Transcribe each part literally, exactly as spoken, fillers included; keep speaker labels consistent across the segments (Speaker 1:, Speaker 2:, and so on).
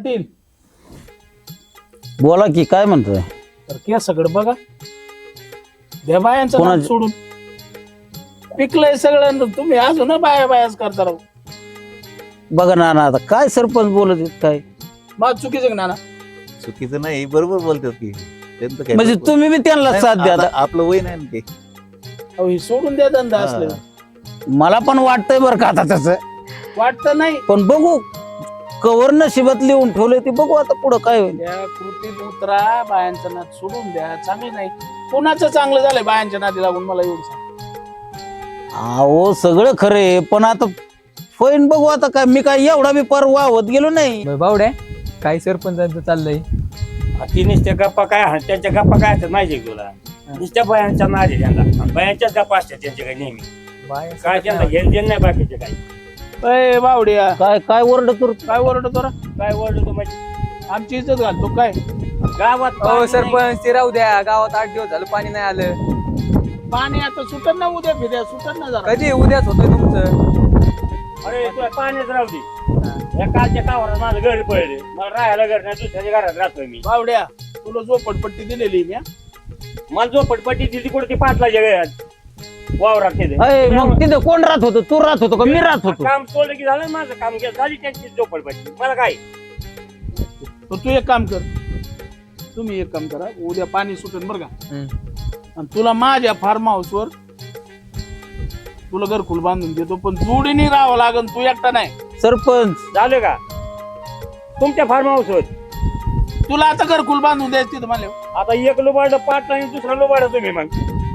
Speaker 1: पाटील
Speaker 2: बोला की काय म्हणतोय.
Speaker 1: तर केसाकडे बघा द्या बायांचं
Speaker 2: कोणा-
Speaker 1: नाक सोडून पिकलंय सगळं तुम्ही अजून बाया बायाच करता राहू.
Speaker 2: बघा ना ना आता काय सरपंच बोलत आहेत काय.
Speaker 1: मग चुकीचं का नाना?
Speaker 3: चुकीचं नाही, बरोबर बोलतात की त्यांचं काय
Speaker 2: म्हणजे
Speaker 3: बरोबर.
Speaker 2: तुम्ही बी त्यांना
Speaker 3: नाही,
Speaker 2: साथ द्या
Speaker 3: आता
Speaker 2: आता.
Speaker 3: आपलं वय नाही ना ते.
Speaker 1: अहो, हे सोडून द्या धंदा
Speaker 3: हा.
Speaker 1: असलं
Speaker 2: मला पण वाटतंय बरं का आता तसं,
Speaker 1: वाटतं नाही.
Speaker 2: पण बघू कवर नशिबात लिहून ठेवले ते बघू आता पुढं काय होईल.
Speaker 1: त्या कृतीत उतरा, बायांचं नाद सोडून द्या. चांगलं नाही कोणाचं चांगलं झालंय बायांच्या नादी लागून मला एवढं सांग.
Speaker 2: अहो सगळं खरे पण आता फैन बघू आता काय. मी काय एवढा बी पार वाहत गेलो नाही.
Speaker 4: बावड्या काय सरपंचांचं चाललंय.
Speaker 5: ती नुसत्या गप्पा काय हा- त्यांच्या गप्पा काय असतात माहिती आहे तुला? नुसत्या बायांच्या नाद आहे त्यांना, बायांच्याच गप्पा असतात त्यांच्या काही नेहमी. काय त्यांना घेणं देणं नाही बाकीचे काही.
Speaker 1: ए बावड्या
Speaker 2: काय काय ओरडतो
Speaker 1: काय ओरडतो रा?
Speaker 5: काय ओरडतो म्हणजे
Speaker 1: आमची इज्जत घालतो काय?
Speaker 5: गावात
Speaker 4: हो
Speaker 5: पाणी नाही.
Speaker 4: सरपंच ते राहू द्या, गावात आठ दिवस झालं पाणी नाही आलं.
Speaker 1: पाणी आता सुटत ना उद्या फिद्या सुटत ना जरा.
Speaker 4: कधी उद्याच होतंय तुमचं.
Speaker 5: अरे तुला पाणीच राहू दे. या कालच्या कावरात माझं घर पडले, मला राहायला घर नाही, दुसऱ्याच्या घरात राहतोय मी.
Speaker 1: बावड्या तुला झोपडपट्टी दिलेली मी हा?
Speaker 5: मला झोपडपट्टी दिली कुठे ती पाटलाच्या घरात वावरात तिथे.
Speaker 2: अय, मग तिथे कोण राहत होतं? तू राहत होतो का मी राहत होतो?
Speaker 5: काम सोडलं की झालं माझं काम केलं, झाली त्यांची झोपडपट्टी. मला काय
Speaker 1: तर तू एक काम कर, तुम्ही एक काम करा, उद्या पाणी सुटेल बरं का. आणि तुला माझ्या फार्म हाऊस वर तुला घरकुल बांधून देतो, पण जोडीने राहावं लागेल, तू एकटा नाही.
Speaker 2: सरपंच
Speaker 5: झालं का तुमच्या फार्म हाऊस वर?
Speaker 1: तुला आता घरकुल बांधून द्यायचं तिथं मला.
Speaker 5: आता एक लोबाड पाटला आणि दुसरा लोबाड तुम्ही मग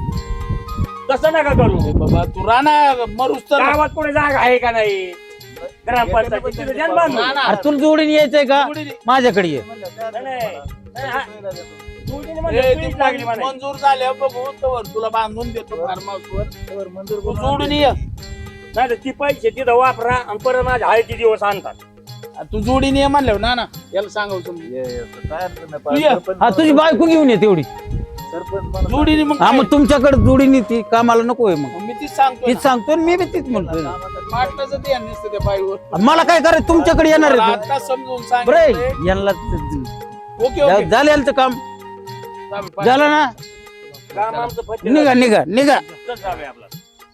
Speaker 5: तसं नका करू.
Speaker 1: अरे बाबा तू राहणार मरूस तर.
Speaker 5: गावात कोणी जागा आहे का नाही ग्रामपंचायत तिथं ध्यान बांधून.
Speaker 1: ना, ना.
Speaker 2: अरे तुला जोडीने यायचंय का?
Speaker 1: जोडीने.
Speaker 2: माझ्याकडे ये.
Speaker 5: नाही, नाही, नाही, हा. जोडीने
Speaker 1: ए,
Speaker 5: म्हणजे
Speaker 1: ती
Speaker 5: तुम्हीच लागली
Speaker 1: मन-
Speaker 5: म्हणायची.
Speaker 1: मंजूर झाल्या बघू तवर तुला बांधून देतो फार्म हाऊस वर. तू जोडीने ये.
Speaker 5: नाही तर ती पैसे तिथं वापरा आणि परत माझ्या हळदी दिवस आणतात.
Speaker 1: तू जोडीने ये म्हणल्यावर ना ना याला सांगाव समजून.
Speaker 3: ये, ये, काय अडचण नाही.
Speaker 1: तू ये.
Speaker 3: सरपंच
Speaker 2: हा तुझी बायको घेऊन ये तेवढी.
Speaker 3: सरपंच मला
Speaker 1: जोडीने मग
Speaker 2: हा
Speaker 1: काय?
Speaker 2: मग तुमच्याकडे जोडीने ती कामाला नको आहे मग.
Speaker 1: मग मी तीच सांगतो
Speaker 2: तीच सांगतोय आणि मी बी तीच म्हणतोय.
Speaker 1: पाटलाचं ते नसतं त्या बाईवर.
Speaker 2: मला काय करायचं तुमच्याकडे येणार
Speaker 1: मला
Speaker 2: आहे
Speaker 1: आता समजून
Speaker 2: बरे
Speaker 1: सांगितलंय.
Speaker 2: यांना
Speaker 1: ओके ओके
Speaker 2: झालं यांचं काम झालं ना.
Speaker 5: काम आमचं फत्ते
Speaker 2: निघा निघा निघा.
Speaker 5: झालं. चल जाऊया आपलं.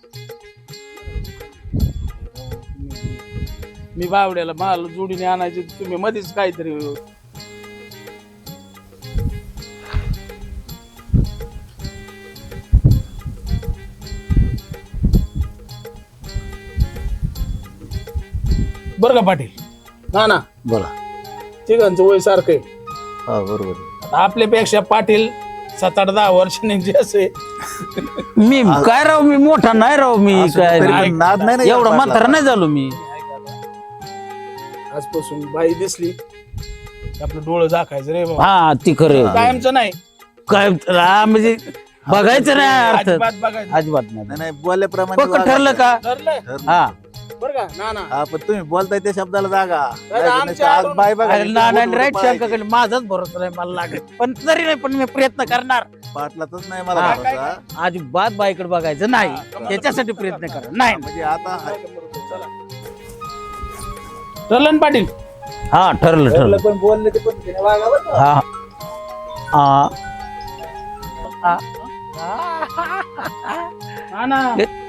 Speaker 1: मी बावड्याला मला जोडीने आणायचे तुम्ही मध्येच काहीतरी. बरं का पाटील? ना ना
Speaker 2: बोला.
Speaker 1: तिघांचं वय सारखं आहे.
Speaker 3: हा बरोबर आहे.
Speaker 1: आता आपल्यापेक्षा पाटील सात आठ दहा वर्षांनी जे असे
Speaker 2: मी काय राव मी मोठा नाही राव मी
Speaker 3: असं
Speaker 2: काय
Speaker 3: तरी
Speaker 2: नाही.
Speaker 3: पण नाद नाही ना
Speaker 2: एवढा
Speaker 3: पाटला.
Speaker 2: म्हातारा नाही झालो मी.
Speaker 1: आजपासून बाई दिसली की आपलं डोळं झाकायचं रे बाबा.
Speaker 2: हा ती खरं
Speaker 1: कायमचं नाही,
Speaker 2: काय हा, म्हणजे बघायचं नाही अर्थ
Speaker 1: अजिबात बघायचं.
Speaker 2: अजिबात नाही.
Speaker 3: नाही नाही बोलल्याप्रमाणे
Speaker 2: पक्क ठरलं का?
Speaker 1: ठरलं
Speaker 3: ठरलं.
Speaker 2: हा
Speaker 1: बरं का? ना ना
Speaker 3: हा पण तुम्ही बोलताय त्या शब्दाला जागा.
Speaker 1: दादा,
Speaker 3: नाही,
Speaker 1: आमच्या
Speaker 3: नाही, आज
Speaker 1: आडून-
Speaker 3: बाय बघा
Speaker 2: अरे ना नाही राईट
Speaker 3: पळायची.
Speaker 2: शंकाकडे माझाच भरोसा नाही मला लागत पण तरी नाही पण मी प्रयत्न करणार.
Speaker 3: पाटलातच नाही मला
Speaker 2: हा,
Speaker 1: काय-
Speaker 3: भरोसा.
Speaker 2: अजिबात बाईकडे बघायचं नाही
Speaker 1: हा, कमाल.
Speaker 2: त्याच्यासाठी प्रयत्न करा. नाही
Speaker 3: म्हणजे आता
Speaker 1: चला. ठरलं ना पाटील?
Speaker 2: हा ठरलं ठरलं.
Speaker 3: पण बोलले ते पण वागावं ना.
Speaker 2: हा हा हा.
Speaker 1: हा ना.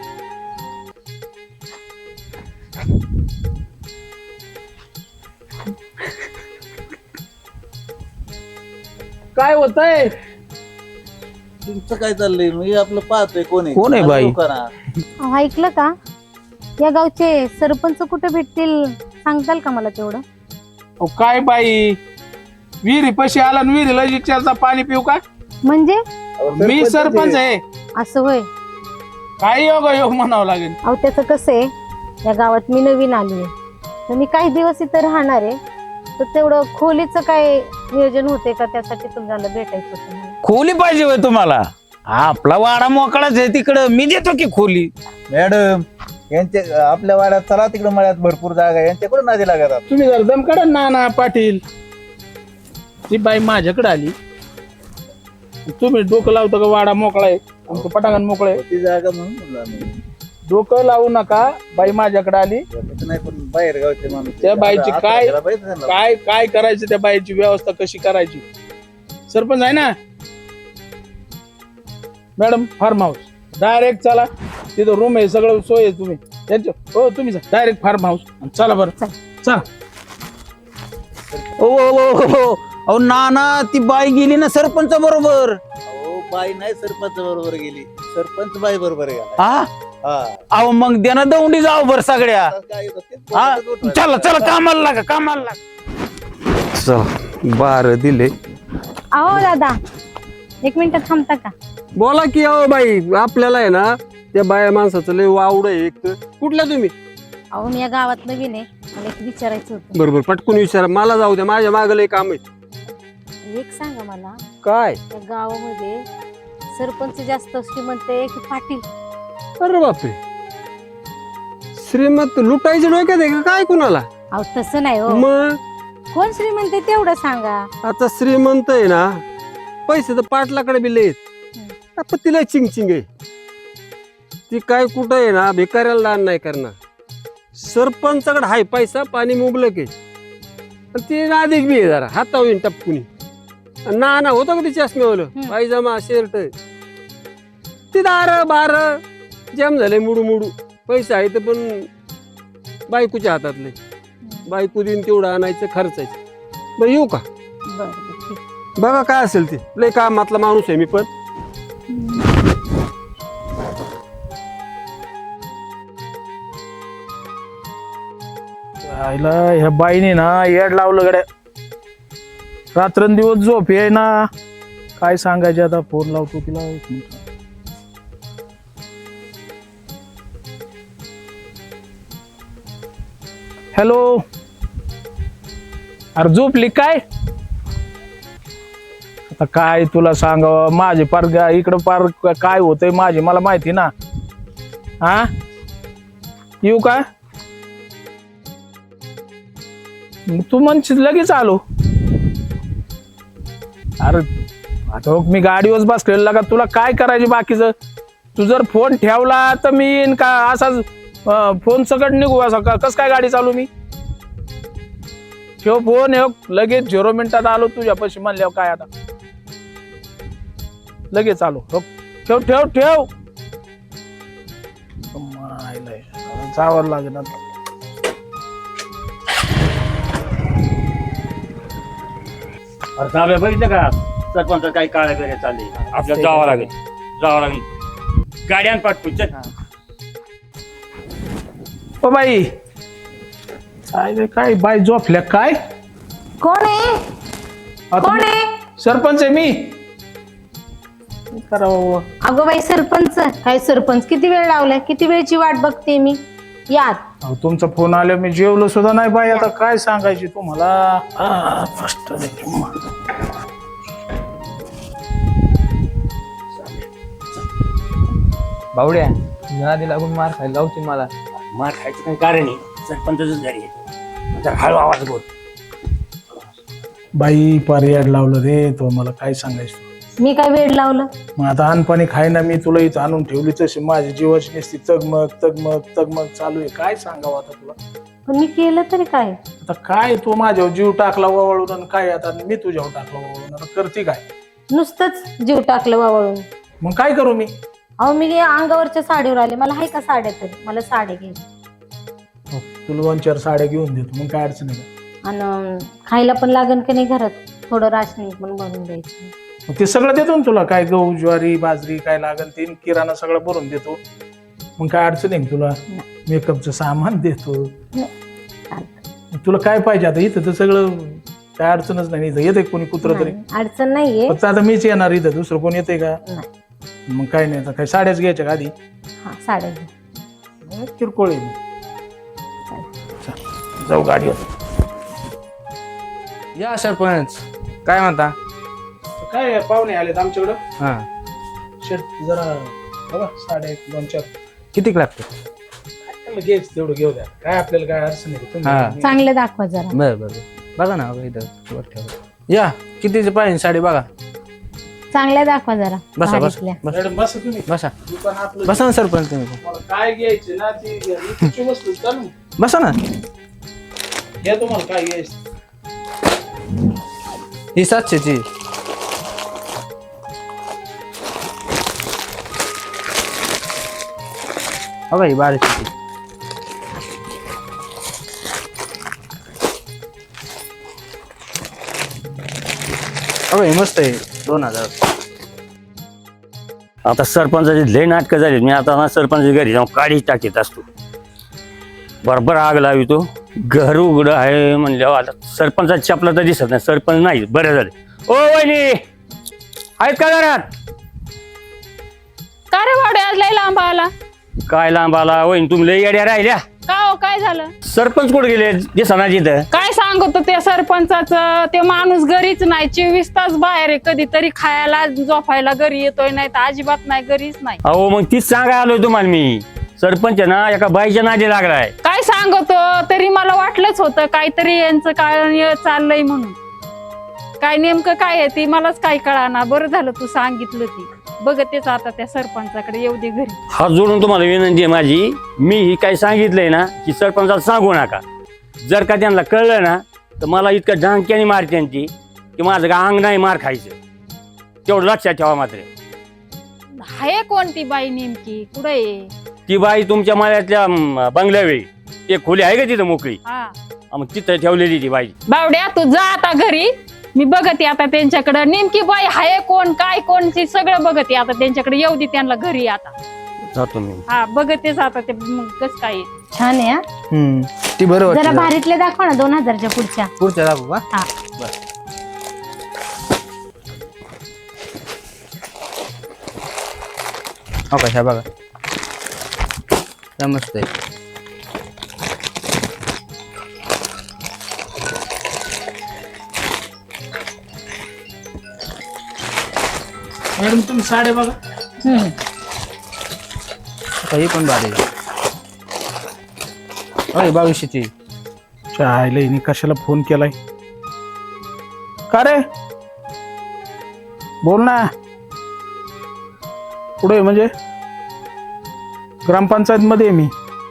Speaker 1: काय होतंय?
Speaker 3: तुमचं काय चाललंय मी आपलं पाहतोय कोण आहे
Speaker 2: कोण आहे बाई?
Speaker 3: लोकांना.
Speaker 6: अहो, ऐकलं का? या गावचे सरपंच कुठे भेटतील सांगताल का मला तेवढं?
Speaker 1: अहो, काय बाई विहिरी पशी आला आणि विहिरीला विचारचा पाणी पिऊ का?
Speaker 6: म्हणजे
Speaker 1: मी सरपंच आहे.
Speaker 6: असं होय?
Speaker 1: काय योग योग म्हणावं लागेल.
Speaker 6: अहो त्याचं कसं आहे, या गावात मी नवीन आली आहे तर मी काही दिवस इथं राहणार आहे, तर तेवढं खोलीचं काय नियोजन होते का? त्यासाठी तुम्हाला भेटायचं होतं मला.
Speaker 2: खोली पाहिजे होय तुम्हाला? आपला वाडा मोकळाच आहे तिकडं मी देतो की खोली.
Speaker 3: मॅडम यांच्या आपल्या वाड्यात चला तिकडे मळ्यात भरपूर जागा आहे. यांच्याकडून नादी लागतात.
Speaker 1: तुम्ही जर दम काढा ना ना पाटील. ती बाई माझ्याकडे आली, तुम्ही डोकं लावतो का वाडा मोकळा आहे आमचं पटांगण मोकळं आहे.
Speaker 3: ती जागा म्हणून म्हणलं आम्ही.
Speaker 1: डोकं लावू नका. बाई माझ्याकडे आली,
Speaker 3: तसं नाही पण बाहेर गावचे माणूस
Speaker 1: त्या बाईची
Speaker 3: आता-
Speaker 1: काय-
Speaker 3: आता बाईचं झालं.
Speaker 1: काय काय करायचं त्या बाईची व्यवस्था कशी करायची. सरपंच आहे ना मॅडम, फार्म हाऊस डायरेक्ट चला, तिथं रूम आहे, सगळं सोय आहे. तुम्ही त्यांच्या हो तुम्ही डायरेक्ट फार्म हाऊस चला बरं चला.
Speaker 2: ओ ओ, ओ, ओ, ओ. अहो नाना ती बाई गेली ना सरपंच बरोबर.
Speaker 3: अहो बाई नाही सरपंच बरोबर गेली, सरपंच बाई बरोबर गेला.
Speaker 2: हा
Speaker 3: हा
Speaker 2: अहो मग द्या दौंडी जाऊ बर सगळ्या.
Speaker 3: आता काय होतं ते
Speaker 2: हा
Speaker 3: बोलतच उठवायचं.
Speaker 2: चला चला कामाला लागा कामाला लागा. चल बार दिले.
Speaker 6: अहो दादा एक मिनिट थांबता का?
Speaker 7: बोला की अहो बाई, आपल्याला आहे ना त्या बाया माणसाचं लय वावड आहे. एक तर कुठल्या तुम्ही?
Speaker 6: अहो मी या गावात नवीन आहे, मला एक विचारायचं होतं.
Speaker 7: बरोबर पटकून विचारा, मला जाऊ द्या, माझ्या मागं लय काम आहे.
Speaker 6: एक सांगा मला,
Speaker 7: काय?
Speaker 6: या गावामध्ये सरपंच जास्त श्रीमंत आहे की पाटील?
Speaker 7: अरे बापरे, श्रीमंत लुटायचे डोक्यात आहे का काय कुणाला?
Speaker 6: अहो तसं नाही हो,
Speaker 7: मग
Speaker 6: कोण श्रीमंत आहे तेवढं सांगा.
Speaker 7: आता श्रीमंत आहे ना, पैसे तर पाटलाकडे बी लय पण तिला चिंगचिंग आहे. ती काय कुठं आहे ना, भिकाऱ्याला दान नाही करणार. सरपंचाकडे हाय पैसा, पाणी मुबलक आहे, आणि ती नादिक बी आहे जरा हातावून टपकुनी. नाना होतं का ती चष्म्यावलं
Speaker 6: हम्म.
Speaker 7: पायजमा शर्ट, ती दार बार जाम झाले मुडू मुडू. पैसा आहे तर पण बायकोच्या हातातले, बायको दिन तेवढं आणायचं खर्चायचं. बरं येऊ का?
Speaker 6: बरं बरं, ठीक.
Speaker 7: बघा काय असेल ते, लय कामातला माणूस आहे मी पण.
Speaker 1: आईला ह्या बाईने ना येड लावलं गड्या. रात्रंदिवस झोप आहे ना, काय सांगायचे. आता फोन लावतो तिला. एक मिनिट. हॅलो, अरे झोपली काय? आता काय तुला सांगावं, माझे पार गा- इकडं पार काय होतंय माझे मला माहिती ना. हा येऊ का? तू म्हणशील लगेच आलो. अरे आता बघ, मी गाडीवर बसलेला का, तुला काय करायचे बाकीचं. तू जर फोन ठेवला तर मी येईन का असाच फोन सकट निघू असा का? कस काय गाडी चालू मी? ठेव फोन, हे लगेच झिरो मिनिटात आलो तुझ्यापाशी म्हणल्यावर. काय आता लगेच आलो. हो, ठेव ठेव ठेव. मायला, जावं लागेल आता.
Speaker 5: अरे साहेब बघितलं का सरपंच काही काळ्या करे चालले. आपल्याला जावं लागेल, जावं लागेल. गाड्यान पाठवू चल.
Speaker 1: ओ बाई, काय काय बाई झोपल्या काय?
Speaker 6: कोण आहे?
Speaker 1: आता
Speaker 6: कोण आहे?
Speaker 1: सरपंच आहे मी. काय करावं?
Speaker 6: अगो बाई सरपंच, काय सरपंच? किती वेळ लावलाय, किती वेळची वाट बघते मी. यात
Speaker 1: अहो, तुमचा फोन आला, मी जेवलो सुद्धा नाही बाई. आता काय सांगायची तुम्हाला. आ, फस्ट
Speaker 4: बावड्या नादी लागून मार खायला लावते मला.
Speaker 5: मार खायचं काही कारण नाही, सरपंचच घरी आहे. जरा हळू आवाज बोल.
Speaker 1: बाई पर्याड लावलं रे तो. मला काय सांगायचं.
Speaker 6: मी काय वेळ लावलं?
Speaker 1: मग आता अनपाणी खाय ना मी तुला इथं आणून ठेवली, तशी माझी जीवाची नुसती तगमग तगमग तगमग चालू आहे. काय सांगावं आता तुला.
Speaker 6: पण मी केलं तरी काय?
Speaker 1: आता काय तू माझ्यावर जीव टाकला वावळून, आणि काय आता मी तुझ्यावर टाकला वावळून. आता करते काय?
Speaker 6: नुसतंच जीव टाकलं वावळून.
Speaker 1: मग काय करू मी?
Speaker 6: अहो मी अंगावरच्या साडीवर आले, मला आहे का साड्या तरी? मला साड्या घे
Speaker 1: हो, तुला दोन चार साड्या घेऊन देतो, मग काय अडचण आहे.
Speaker 6: आणि खायला पण लागन की नाही घरात, थोडं राशनिंग पण भरून द्यायचं.
Speaker 1: मग ते सगळं देतो ना तुला, काय गहू ज्वारी बाजरी काय लागेल ते किराणा सगळं भरून देतो. मग काय अडचण आहे तुला? मेकअपचं सामान देतो.
Speaker 6: चालतं.
Speaker 1: तुला काय पाहिजे आता? इथं तर सगळं काय अडचणच नाही. इथं येते कोणी कुत्र तरी?
Speaker 6: नाही, अडचण नाहीये.
Speaker 1: फक्त आता मीच येणार इथं, दुसरं कोण येते का?
Speaker 6: नाही.
Speaker 1: मग काय नाही. आता काय साड्याच घ्यायच्या का आधी?
Speaker 6: हा साड्या घे.
Speaker 1: किरकोळ आहे. चल, जाऊ गाडीवर.
Speaker 4: या सरपंच, काय म्हणता?
Speaker 1: काय पाहुणे आलेत आमच्याकडं.
Speaker 4: हा
Speaker 1: शर्ट जरा बघा, साड्या एक दोन चार
Speaker 4: किती लागते?
Speaker 1: घ्यायच तेवढं घेऊ द्या. काय आपल्याला काय अडचण नाही.
Speaker 4: हा.
Speaker 1: तुम्ही-
Speaker 6: चांगलं दाखवा जरा.
Speaker 4: बर बर बघा ना, बघा इथं वर ठेवा. या कितीचे पाहिजे साडी बघा.
Speaker 6: चांगल्या दाखवा जरा
Speaker 8: बसा बसा
Speaker 6: भारीतल्या.
Speaker 8: बसा
Speaker 1: मॅडम बसा तुम्ही
Speaker 8: बसा
Speaker 1: दुकान आपलं
Speaker 8: बसा ना सरपंच तुम्ही
Speaker 1: तुम्हाला काय घ्यायचे ना ती घ्या. तुमची वस्तू चालू
Speaker 8: बसा ना
Speaker 1: घ्या तुम्हाला काय घ्यायचं
Speaker 8: ही सातशेची बघा ही बाराशेची बघा ही मस्त आहे दोन हजार
Speaker 5: आता सरपंचाची लय नाटकं झाली मी आता ना सरपंचाच्या घरी जाऊन काढी टाकीत असतो बरोबर आग लावी तो घर उघडं आहे म्हणल्यावर आता सरपंचाची चपला तर दिसत नाही सरपंच नाही बरं झाले ओ वहिनी आहेत का घरात
Speaker 9: का रे भावडे आज लय लांब आला
Speaker 5: काय लांब आला वहिनी तुम्ही लय येड्या राहिल्या
Speaker 9: का हो काय झालं
Speaker 5: सरपंच कुठे गेले दिसना तिथं
Speaker 9: काय सांगतो त्या सरपंचाचं ते माणूस घरीच नाही चोवीस तास बाहेर आहे कधीतरी खायला झोपायला घरी येतोय नाही तर अजिबात नाही घरीच नाही
Speaker 5: अहो मग तीच सांगायला आलोय तुम्हाला मी सरपंच आहे ना एका बाईच्या नादी लागलाय
Speaker 9: काय सांगतो तरी मला वाटलंच होतं काहीतरी यांचं काय चाललंय म्हणून काय नेमकं काय आहे ती मलाच काय कळाना बरं झालं तू सांगितलं ती बघतेच आता त्या सरपंचाकडे येऊ दे घरी
Speaker 5: हात जोडून तुम्हाला विनंती आहे माझी मी ही काय सांगितलंय ना की सरपंचाला सांगू नका जर का त्यांना कळलं ना तर मला इतकं ढांक्याने मारते ती की माझं का अंग नाही मार खायचं तेवढं लक्षात ठेवा मात्र
Speaker 9: आहे कोणती बाई नेमकी कुठे आहे
Speaker 5: ती बाई तुमच्या माळ्यातल्या अं, बंगल्यावेळी ते खोली आहे का तिथं मोकळी
Speaker 9: हा
Speaker 5: हा, मग तिथं ठेवलेली ती बाई
Speaker 9: बावड्या तू जा आता घरी मी बघते आता त्यांच्याकडे नेमकी बाई आहे कोण काय कोणची सगळं बघते आता त्यांच्याकडे येऊ दे त्यांना घरी आता
Speaker 5: जातो मी
Speaker 9: हा बघतेच आता ते मग कसं काय आहे.
Speaker 6: छान आहे हा.
Speaker 8: हम्म ती बरं
Speaker 6: जरा
Speaker 8: वाटतं
Speaker 6: भारीतले दाखवा ना दोन हजारच्या पुढच्या
Speaker 8: पुढच्या दाखवू का
Speaker 6: हा
Speaker 8: हो का ह्या बघा त्या मस्त आहे
Speaker 1: मॅडम तुम्ही साड्या बघा
Speaker 6: हम्म.
Speaker 8: आता ही पण भारी आहे अरे बावीसशेची
Speaker 1: चायला हिने कशाला फोन केलाय का रे बोल ना पुढे म्हणजे ग्रामपंचायत मध्ये आहे मी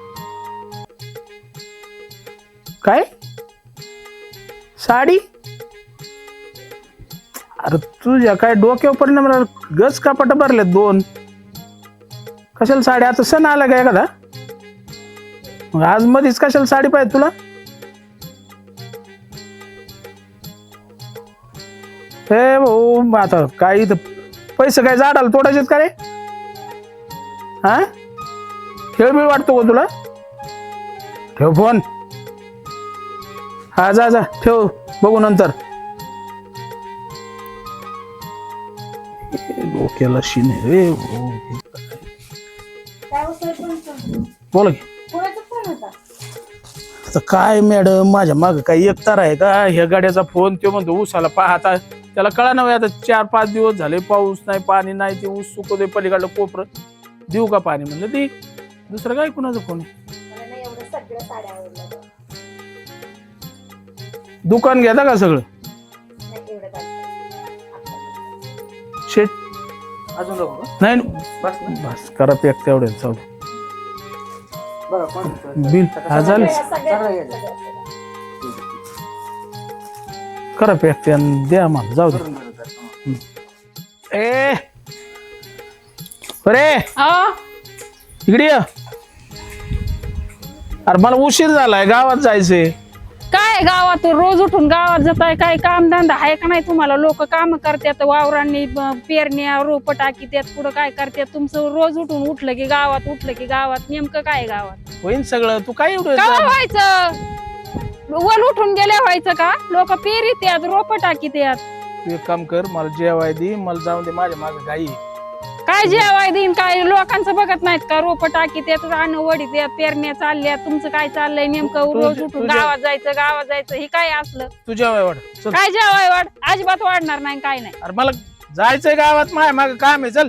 Speaker 1: काय साडी अरे तुझ्या काय डोक्यावर परिणाम राहिला? गज कापाट भरले दोन कशाला साडी आता सण आला का एखादा मग आज मध्येच कशाला साडी पाहिजे तुला हे भाऊ आता काय इथं पैसे काय झाडाला तोडायचेत का रे हा खेळ बिळ वाटतो का तुला ठेव फोन हा जा जा ठेव बघू नंतर डोक्याला शिने रे बोला की आता काय मॅडम माझ्या माग काही एक तार आहे का ह्या गाड्याचा फोन तो म्हणतो ऊसाला पाहता त्याला कळा नव्हे आता चार पाच दिवस झाले पाऊस नाही पाणी नाही ते ऊस सुकवते पलीकडलं कोपर देऊ का पाणी म्हणलं दे दुसरं काय कुणाचा फोन आहे दुकान घेता का सगळं शेट
Speaker 8: अजून दाखवू का?
Speaker 1: नाही
Speaker 8: बस ना
Speaker 1: बस करा पॅक तेवढे जाऊ दे.
Speaker 8: बघा कोण
Speaker 1: बिल हा झालं करा पॅक ते आणि द्या मला जाऊ दे ए अरे
Speaker 9: अ
Speaker 1: इकडे ये. अरे मला उशीर झालाय गावात जायचंय
Speaker 9: काय गावात रोज उठून गावात जाताय काय काम धंदा आहे का नाही तुम्हाला लोक काम करतात वावरांनी ब- पेरण्या रोप टाकीतात पुढं काय करतात तुमचं रोज उठून उठलं की गावात उठलं की गावात नेमकं काय गावात
Speaker 1: होईन सगळं तू काय एवढं
Speaker 9: काय
Speaker 1: जा-
Speaker 9: व्हायचं वर उठून गेल्या व्हायचं का लोक पेरीत यात रोप टाकीत यात
Speaker 1: तू एक काम कर मला जेवाय दे मला जाऊन दे माझ्या मागे गाई आहे.
Speaker 9: काय जेवाय देईन काय लोकांचं बघत नाहीत का रोप टाकीत येत रान वडीत येत पेरण्या चालल्या तुमचं काय चाललंय नेमकं
Speaker 1: तू-
Speaker 9: रोज
Speaker 1: तू-
Speaker 9: उठून
Speaker 1: तुझ्या-
Speaker 9: गावात जायचं गावात जायचं हे काय असलं
Speaker 1: तू जेवाय वाढ चल
Speaker 9: काय जेवाय वाढ अजिबात वाढणार नाही काय नाही
Speaker 1: अरे मला जायचंय गावात माझ्या मागे काम आहे चल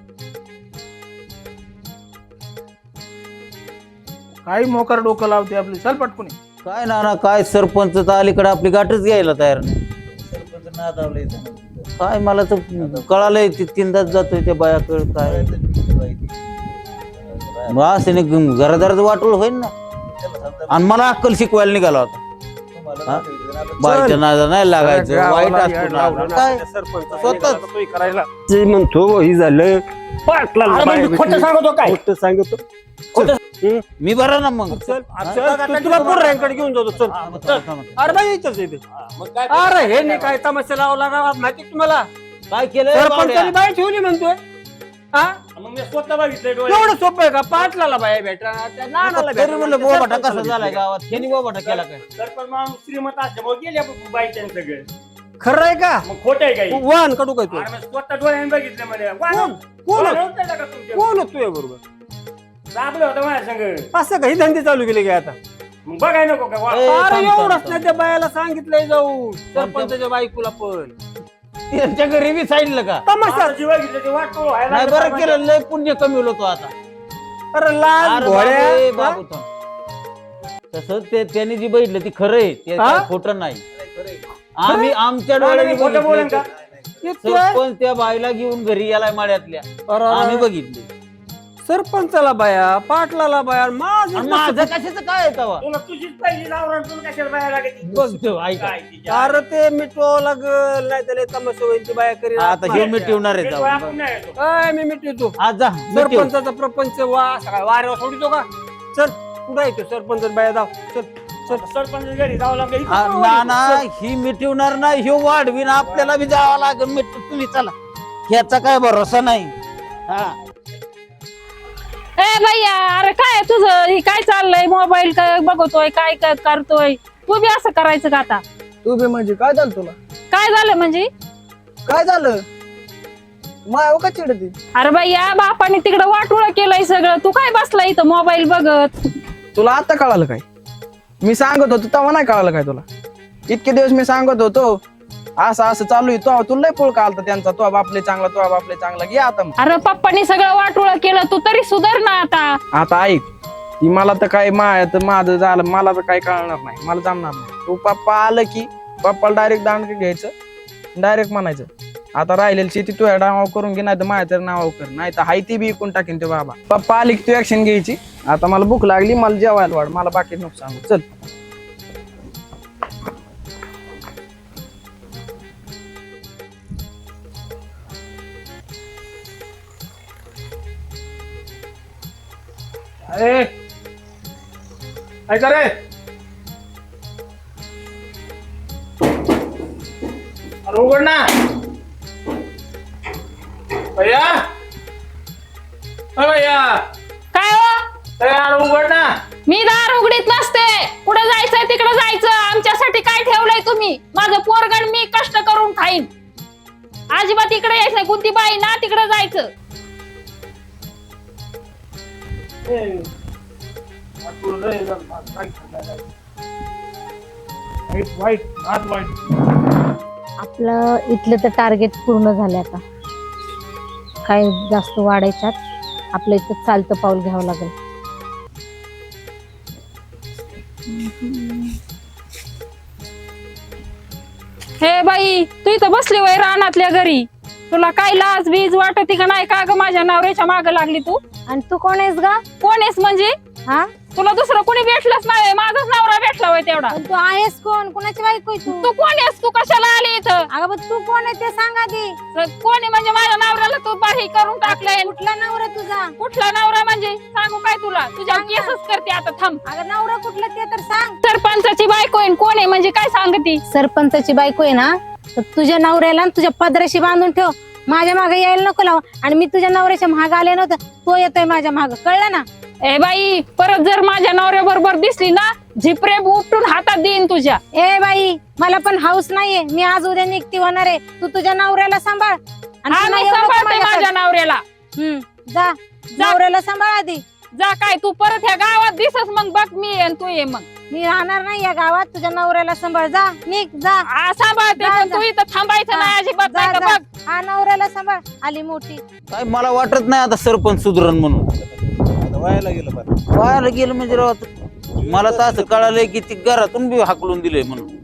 Speaker 1: काही मोकार डोकं लावते आपली चल पटकून ये.
Speaker 2: काय ना ना काय सरपंच तर अलीकडे आपली गाठच घ्यायला तयार नाही सरपंच नादावले काय मला तर कळालंय ती तीनदाच जातोय त्या बायाकडे काय मग असं नाही घरादाराच वाटोळ होईल ना आणि मला अक्कल शिकवायला निघाला होता बायच्या नादा नाही लागायचं वाईट असतो ना. काय स्वतःच
Speaker 7: करायला जे म्हणतो ही झालं पाटला
Speaker 5: खोटं सांगतो काय
Speaker 7: खोटं सांगतो
Speaker 2: मी बरा ना मग
Speaker 7: चल चल, तू तुला पोरांकडे घेऊन जातो चल अरे बाई इथंच आहे ते. अरे हे नाही काय तमाशा लावला गावात माहिती का तुम्हाला
Speaker 2: काय केलं
Speaker 7: सरपंचाने बाई ठेवली म्हणतोय हा
Speaker 5: मग मी स्वतः बघितलंय डोळे
Speaker 7: एवढं सोपं आहे का पाटलाला बाया भेटा त्या नानाला
Speaker 2: तरी म्हणलं
Speaker 7: भेटा.
Speaker 2: बोबाटा कसा झालाय गावात त्यांनी बोबाटा केला काय
Speaker 5: सरपंच माणूस श्रीमंत असल्यामुळे गेल्या बाईच्या सगळे
Speaker 7: खरं आहे का
Speaker 5: मग खोट आहे काही
Speaker 7: वाहन कडू काय तू
Speaker 5: अरे मग स्वतः डोळ्याने बघितलं म्हणे
Speaker 7: कोण कोण कोण होतोय बरोबर
Speaker 5: दाबलं होतं माझ्या संग
Speaker 7: असं काही धंदे चालू केले काय आता
Speaker 5: मग बघाय नको का वा-
Speaker 2: ए,
Speaker 7: अरे
Speaker 2: थांब, थांब,
Speaker 7: एवढंच
Speaker 2: थांब.
Speaker 7: नाही त्या बायाला सांगितलंय जाऊ सरपंचाच्या बायकोला पण
Speaker 2: त्यांच्या घरी बी सांगितलं का
Speaker 7: तमाशा
Speaker 5: आता जे बघितलं ते वाटतो व्हायला
Speaker 2: नाही
Speaker 5: लागलं
Speaker 2: बरं केलं लय पुण्य कमी होतो आता
Speaker 7: अरे लाल
Speaker 2: अरे बाबू, ए,
Speaker 7: घोड्या
Speaker 2: बाबू थांब. तसं ते त्यांनी जी बघितलं ती खरं आहे ते
Speaker 7: हा?
Speaker 2: काय खोटं नाही आम्ही आमच्या डोळ्याने
Speaker 5: खोटं बोलेन
Speaker 2: बघितलं.
Speaker 5: का
Speaker 7: येतोय.
Speaker 2: सरपंच त्या बाईला घेऊन घरी यायला माड्यातल्या
Speaker 7: अरे,
Speaker 2: आम्ही बघितले
Speaker 7: सरपंचाला बाया पाटलाला बाया माझं
Speaker 2: आणि माझं कशाचं काय आहे तेव्हा?
Speaker 5: तुला तुझीच पहिली लावणार तुला कशाला बाया लागते
Speaker 2: बघ तो, ऐका.
Speaker 5: काय तिच्या-
Speaker 7: अरे ते मिटवावं लागल नाही त्याला तमाशा होईल ती बाया करी
Speaker 2: आता हे मिटवणार आहे
Speaker 5: ते
Speaker 2: तेव्हा.
Speaker 5: आपण नाही येतो.
Speaker 7: काय मी मिटवतो
Speaker 2: आज जा मिटव.
Speaker 7: सरपंचाचा प्रपंच वा सगळा वाऱ्यावर सोडितो का चल कुठं येतो सरपंच बाया जाऊ चल चल
Speaker 5: सरपंच घरी जावं लागेल
Speaker 2: आ, ना ना ही मिटवणार नाही ह्यो वाढवीन आपल्याला बी जावं लागेल मिट तुम्ही चला ह्याचा काय भरोसा नाही हा
Speaker 9: ए भैया अरे काय तुझं हे काय चाललंय मोबाईल काय बघतोय काय काय करतोय तू बी असं करायचं का आता
Speaker 8: तू बी म्हणजे काय झालं तुला
Speaker 9: काय झालं म्हणजे
Speaker 8: काय झालं माय का चिडती
Speaker 9: अरे भैया बापाने तिकडं वाटोळं केलंय सगळं तू काय बसला इथं मोबाईल बघत
Speaker 8: तुला आता कळालं काय मी सांगत होतो तेव्हा नाही कळालं काय तुला इतके दिवस मी सांगत होतो असं असं चालू आहे तो तुला लय पोळ आलता त्यांचा तो बापले चांगला तो बापले चांगला घे आता मग.
Speaker 9: अरे पप्पानी सगळं वाटोळं केलं तू तरी सुधार ना आता
Speaker 8: आता ऐक ती मला तर काय माय तर माझं झालं मला तर काय कळणार नाही मला जमणार नाही तू पप्पा आलं की पप्पाला डायरेक्ट दांड घ्यायचं डायरेक्ट म्हणायचं आता राहिलेली शेती तुझ्या नावावर करून घे नाही तर माझ्या तर नावावर कर नाही तर हाय ती बी इकून टाकेन ते बाबा पप्पा आली की तू ऍक्शन घ्यायची आता मला भूक लागली मला जेवायला वाढ मला बाकी नको सांगू चल
Speaker 1: अरे ऐका रे अरे उघड ना भैया अ भैया
Speaker 9: काय हो
Speaker 1: अरे यार उघड ना
Speaker 9: मी दार उघडीत नसते कुठं जायचंय तिकडं जायचं आमच्यासाठी काय ठेवलंय तुम्ही माझं पोरगण मी कष्ट करून खाईन अजिबात इकडे यायचं नाही कोणती बाई ना तिकडं जायचं
Speaker 1: वाईट वाईट हात वाईट
Speaker 6: आपलं इथलं तर टार्गेट पूर्ण झालं आता काय जास्त वाढायच्यात आपलं इथं चालतं पाऊल घ्यावं लागेल
Speaker 9: हे बाई तू इथं बसली वय रानातल्या घरी तुला काय लाज बीज वाटते का नाही का ग माझ्या नवऱ्याच्या माग लागली तू
Speaker 6: आणि तू कोण आहेस गा
Speaker 9: कोण आहेस म्हणजे
Speaker 6: हा
Speaker 9: तुला दुसरं कोणी भेटलंच नाही माझाच नवरा भेटला होय तेवढा
Speaker 6: पण तू आहेस कोण कोणाची बायको आहे तू
Speaker 9: तू कोण आहेस तू कशाला आली इथं
Speaker 6: अगं पण तू कोण आहे ते सांग आधी
Speaker 9: कोण आहे म्हणजे माझ्या नवऱ्याला तू बाही करून टाकलंय
Speaker 6: कुठला नवरा तुझा
Speaker 9: कुठला नवरा म्हणजे सांगू काय तुला तुझ्या
Speaker 6: सांग ना.
Speaker 9: केसच करते आता थांब
Speaker 6: अगं नवरा कुठला ते तर सांग
Speaker 9: सरपंचाची बायको आहे कोण आहे म्हणजे काय सांगती
Speaker 6: सरपंचाची बायको आहे ना तर तुझ्या नवऱ्याला आणि तुझ्या पदराशी बांधून ठेव माझ्या मागे यायला नको लाव आणि मी तुझ्या नवऱ्याच्या मागे आले नव्हतं तो येतोय माझ्या मागे कळलं ना
Speaker 9: ए बाई परत जर माझ्या नवऱ्या बरोबर दिसली ना झिपरे उपटून हातात देईन तुझ्या
Speaker 6: ए बाई मला पण हाऊस नाहीये मी आज उद्या निघती होणार आहे तू तुझ्या नवऱ्याला सांभाळ आणि
Speaker 9: हा,
Speaker 6: पुन्हा
Speaker 9: मी
Speaker 6: येऊ नको
Speaker 9: सांभाळते
Speaker 6: माझ्याकडे.
Speaker 9: माझ्या नवऱ्याला
Speaker 6: हम्म, जा नवऱ्याला सांभाळ आधी
Speaker 9: जा काय तू परत ह्या गावात दिसस मग बघ मी ये आणि तू ये मग
Speaker 6: मी राहणार नाही या गावात तुझ्या नवऱ्याला सांभाळ जा निघ जा
Speaker 9: आ, सांभाळते
Speaker 6: जा,
Speaker 9: पण
Speaker 6: जा.
Speaker 9: तू इथं थांबायचं
Speaker 6: हा,
Speaker 9: नाही अजिबात
Speaker 6: जा,
Speaker 9: नाही का
Speaker 6: जा.
Speaker 9: बघ
Speaker 6: हा नवऱ्याला सांभाळ आली मोठी
Speaker 2: काय मला वाटत नाही आता सरपंच सुधरण म्हणून
Speaker 3: आता व्हायला गेलं बरं
Speaker 2: व्हायला गेलं म्हणजे राव आता. मला तर असं कळालंय की ती घरातून बी हाकलून दिलंय म्हणून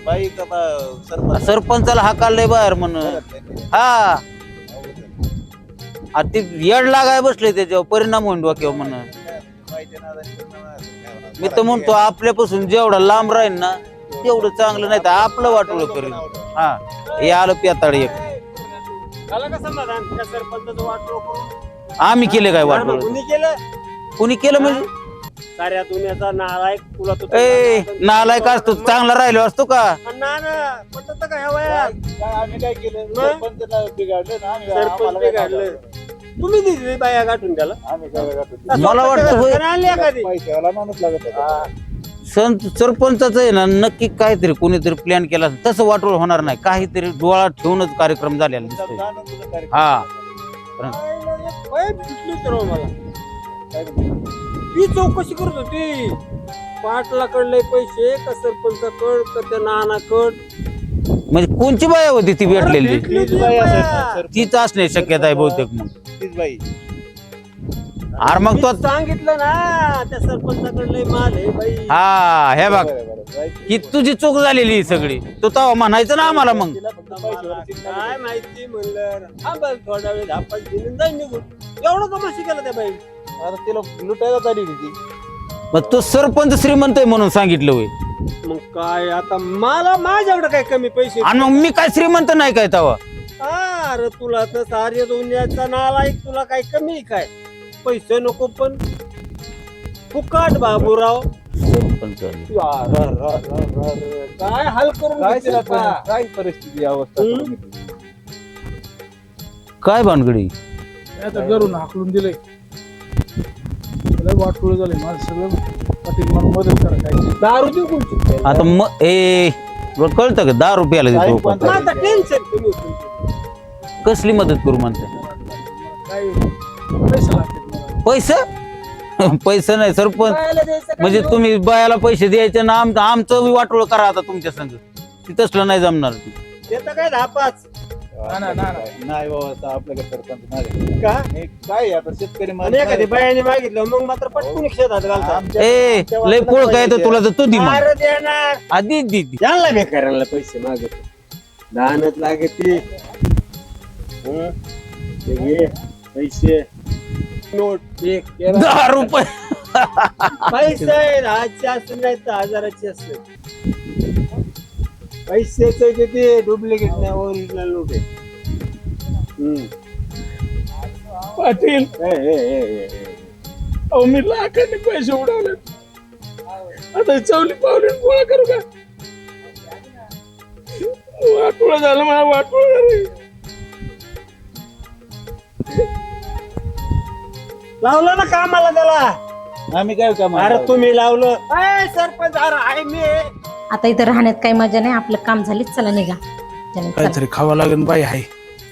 Speaker 3: बाई का बा- सरपंच
Speaker 2: सरपंचाला हाकाललंय बाहेर म्हणून हा आ ते येड लागाय बसले त्याच्यावर परिणाम होईन डोक्यावर म्हणून.
Speaker 3: बाईच्या नादाने पूर्ण नाद.
Speaker 2: मी तर म्हणतो आपल्यापासून जेवढा लांब राहील ना तेवढं चांगलं, नाही तर आपलं वाटोळ करेल. हा हे आलं पेताळ एक.
Speaker 7: झालं का समाधान त्या सरपंचाचं वाटलं करून?
Speaker 2: आम्ही केले काय वाटोळ?
Speaker 7: कुणी केलं?
Speaker 2: कुणी केलं म्हणजे
Speaker 7: साऱ्या दुनियाचा नालायक तुला तो
Speaker 2: ए नालायक असतो चांगला राहिलो असतो का?
Speaker 7: ना ना पटत का ह्या वयात?
Speaker 3: काय आम्ही काय केलं
Speaker 7: मग?
Speaker 3: सरपंच बिघडलं ना आम्ही
Speaker 7: सरपंच
Speaker 3: आम्हाला काय
Speaker 7: बिघडलं.
Speaker 3: सांगायचं?
Speaker 7: तुम्ही दिली बाया गाठून त्याला
Speaker 3: आम्ही काय गाठवतो?
Speaker 2: मला वाटतं होय.
Speaker 7: आणली एखादी
Speaker 3: पैशावाला माणूस लागत होता.
Speaker 2: संत सरपंचाचं आहे ना नक्की काहीतरी कोणीतरी प्लॅन केला असेल. तसं वाटोळ होणार नाही. काहीतरी डोळा ठेवूनच कार्यक्रम झालेला दिसतोय.
Speaker 3: जाणून तुझं कार्यक्रम.
Speaker 2: हा
Speaker 7: पाय फुटली तर हो मला ती चौकशी करत होती पाटलाकडले पैसे का सरपंचाकड का त्या नानाकड.
Speaker 2: म्हणजे कोणची बाया होती ती भेटलेली?
Speaker 3: तीच बाई असेल ना, सरपंच.
Speaker 2: तीच असण्याची शक्यता आहे बहुतेक. मग
Speaker 3: तीच बाई.
Speaker 2: अरे मग तो
Speaker 7: सांगितलं ना त्या सरपंचाकडले माल आहे बाई.
Speaker 2: हा हे बघ
Speaker 3: बरं, बरं. बाई-
Speaker 2: ही तुझी चूक झालेली ही सगळी. तू तेव्हा म्हणायचं ना आम्हाला मग.
Speaker 3: तिला फक्त पैशावर चिंता
Speaker 7: काय
Speaker 3: नाही.
Speaker 7: माहिती म्हणलं हा बघ थोडा वेळ धापास दिली जाईन निघून. एवढं कमाशी केलं त्या बाई.
Speaker 3: आता तिला लुटायला चालली होती ती.
Speaker 2: मग तो सरपंच श्रीमंत आहे म्हणून सांगितलं होय.
Speaker 7: मग काय आता मला माझ्याकडे काय कमी पैसे
Speaker 2: आणि मग मी काय श्रीमंत नाही काय तेव्हा?
Speaker 7: अरे तुला तर सारे दुनियाचा नालायक तुला काय कमी आहे काय पैसे नको पण फुकाट बाबूराव.
Speaker 2: सरपंच
Speaker 7: अरे, अरे, अरे, अरे, काय हाल करून
Speaker 3: काय
Speaker 7: घेतलं आता?
Speaker 3: सरपंच? काय परिस्थिती अवस्था
Speaker 7: हम्म?
Speaker 3: करून घेतली?
Speaker 2: काय भानगडी?
Speaker 1: आता घरून हाकलून दिलंय. त्याला वाटोळ झालंय माझं सगळं. पाटील मला मदत करा काय.
Speaker 7: दारू देऊ कोणची
Speaker 2: आता मग ए तुला कळतं का दहा रुपयाला देतो
Speaker 3: काय पण-
Speaker 7: माझं टेन्शन कमी होतं.
Speaker 2: कसली मदत करू म्हणते?
Speaker 1: काय पैसे लागतात मला.
Speaker 2: पैसे पैसे नाही सरपंच.
Speaker 7: बायाला द्यायचं काय
Speaker 2: म्हणजे
Speaker 7: देऊ?
Speaker 2: तुम्ही बायाला पैसे द्यायचे ना आम आमचं बी वाटोळ करा आता तुमच्या संग. ती तसलं नाही जमणार.
Speaker 7: देतं काय दहा पाच
Speaker 1: ना, ना, ना, ना.
Speaker 3: नाही बाबा आता आपल्याकडे सरपंच नाही.
Speaker 7: का
Speaker 3: हे काय आता शेतकरी
Speaker 7: आणि एखादी बायाने मागितलं मग मात्र पटकून शेतात घालतात.
Speaker 3: आमच्या-
Speaker 2: ए
Speaker 3: आमच्या
Speaker 2: लय
Speaker 3: वाटलं
Speaker 2: पोळ काय तर
Speaker 3: पाहिजे.
Speaker 2: तुला तर तू दि मग.
Speaker 7: अरे देणार
Speaker 2: आधी दी दी.
Speaker 7: यांना बेकाराला पैसे मागत दानच लागते. हं? ते घे पैसे नोट एक
Speaker 2: दहा रुपये
Speaker 7: पैसे आहे दहाचे असत नाही तर हजाराचे असत. पैसेच ते डुप्लिकेट नाही ओरिजिनल नोट आहे. हं.
Speaker 1: पाटील
Speaker 7: हे, हे, हे, हे, हे.
Speaker 1: अहो मी लाखांनी पैसे उडवले. आता चवली पावली गोळा करू का? वाटोळ झालं मला वाटोळ झालं.
Speaker 7: लावलं ना कामाला त्याला.
Speaker 3: आम्ही काय काम
Speaker 7: अरे तुम्ही लावलं ए, सरपंच अरे आहे मी
Speaker 6: आता इथं राहण्यात काही मजा नाही. आपलं काम झालीच, चला निघा. चला, चला.
Speaker 1: काहीतरी खावं लागेल बाई. आहे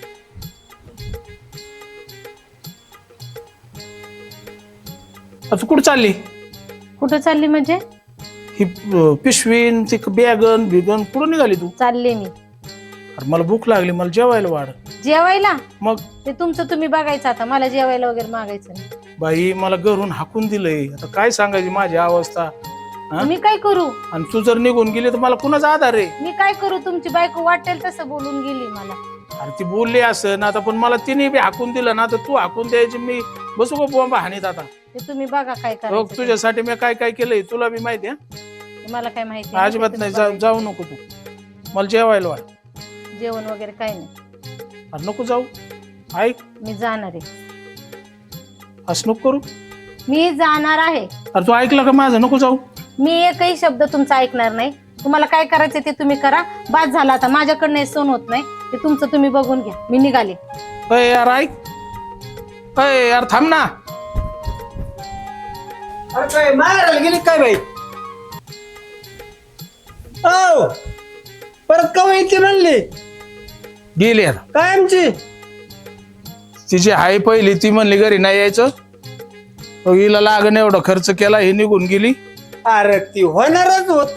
Speaker 1: आता कुठं चालली
Speaker 6: कुठं चालली म्हणजे?
Speaker 1: ही अं, पिशवीन ती बॅगन बिगन कुठं निघाली तू?
Speaker 6: चालले मी
Speaker 1: अरे मला भूक लागली. मला जेवायला वाढ.
Speaker 6: जेवायला.
Speaker 1: मग
Speaker 6: ते तुमचं तुम्ही बघायचं. आता मला जेवायला वगैरे मागायचं नाही.
Speaker 1: बाई मला घरून हाकून दिलंय. आता काय सांगायची माझी अवस्था. हा?
Speaker 6: मी काय करू?
Speaker 1: आणि तू जर निघून गेली तर मला कुणाचा आधार आहे?
Speaker 6: मी काय करू? तुमची बायको वाटेल तसं बोलून गेली मला.
Speaker 1: अरे ती बोलली असं ना आता, पण मला तिने बी हाकून दिलं ना तर तू हाकून द्यायची. मी बसू का बोंबा हानीत आता?
Speaker 6: ते तुम्ही बघा काय
Speaker 1: बघ
Speaker 6: करायचं ते.
Speaker 1: तुझ्यासाठी मी काय काय केलंय तुला बी माहिती आहे.
Speaker 6: मला काय माहिती
Speaker 1: अजिबात नाही. जाऊ जाऊ नको तू. मला जेवायला वाढ.
Speaker 6: जेवण वगैरे काही नाही.
Speaker 1: अरे नको जाऊ. ऐक
Speaker 6: मी जाणार आहे.
Speaker 1: असं नको करू.
Speaker 6: मी जाणार आहे.
Speaker 1: अरे तू ऐकलं का माझं? नको जाऊ.
Speaker 6: मी एकही शब्द तुमचा ऐकणार नाही. तुम्हाला काय करायचं ते तुम्ही करा. बाद झाला आता. माझ्याकडनं हे सहन होत नाही. ते तुमचं तुम्ही बघून घ्या. मी निघाले.
Speaker 1: अय यार ऐक. अय यार थांब ना.
Speaker 7: अरे काय मारायला गेली काय बाई? हो परत कवा येते म्हणली
Speaker 1: गेली यार.
Speaker 7: काय आमची
Speaker 1: तिची हाय पहिली ती म्हणली घरी नाही यायचं. मग हिला लागण एवढा खर्च केला. ही निघून गेली.
Speaker 7: अरे ती होणारच होत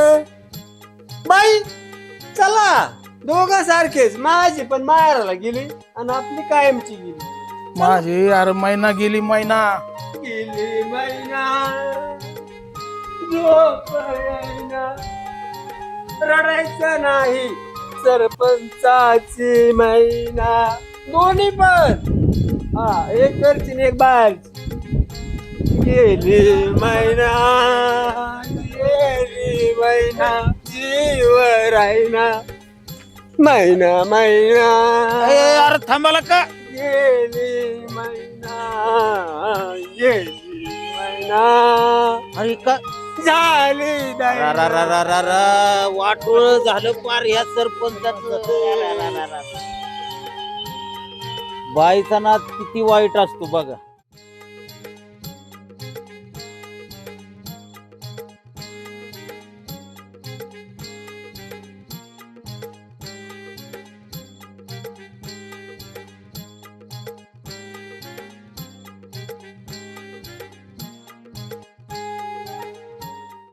Speaker 7: बाई. चला दोघं सारखेच. माझी पण मारायला गेली आणि आपली कायमची गेली.
Speaker 1: माझी यार महिना गेली. महिना
Speaker 7: गेली महिना झोप येईना. रडायचं नाही सरपंचाची मैना दोन्ही पण हा एक घरची आणि एक बाहेरची गेली मैना गेली मैना जीव राहिना मैना मैना
Speaker 2: अरे थांबाला का
Speaker 7: गेली मैना गेली मैना
Speaker 2: अरे का
Speaker 7: झाली
Speaker 2: रा रा रा रा रा रा रा वाटोळ झालं पार ह्या सरपंचाचं बाईचा नाद किती वाईट असतो बघा.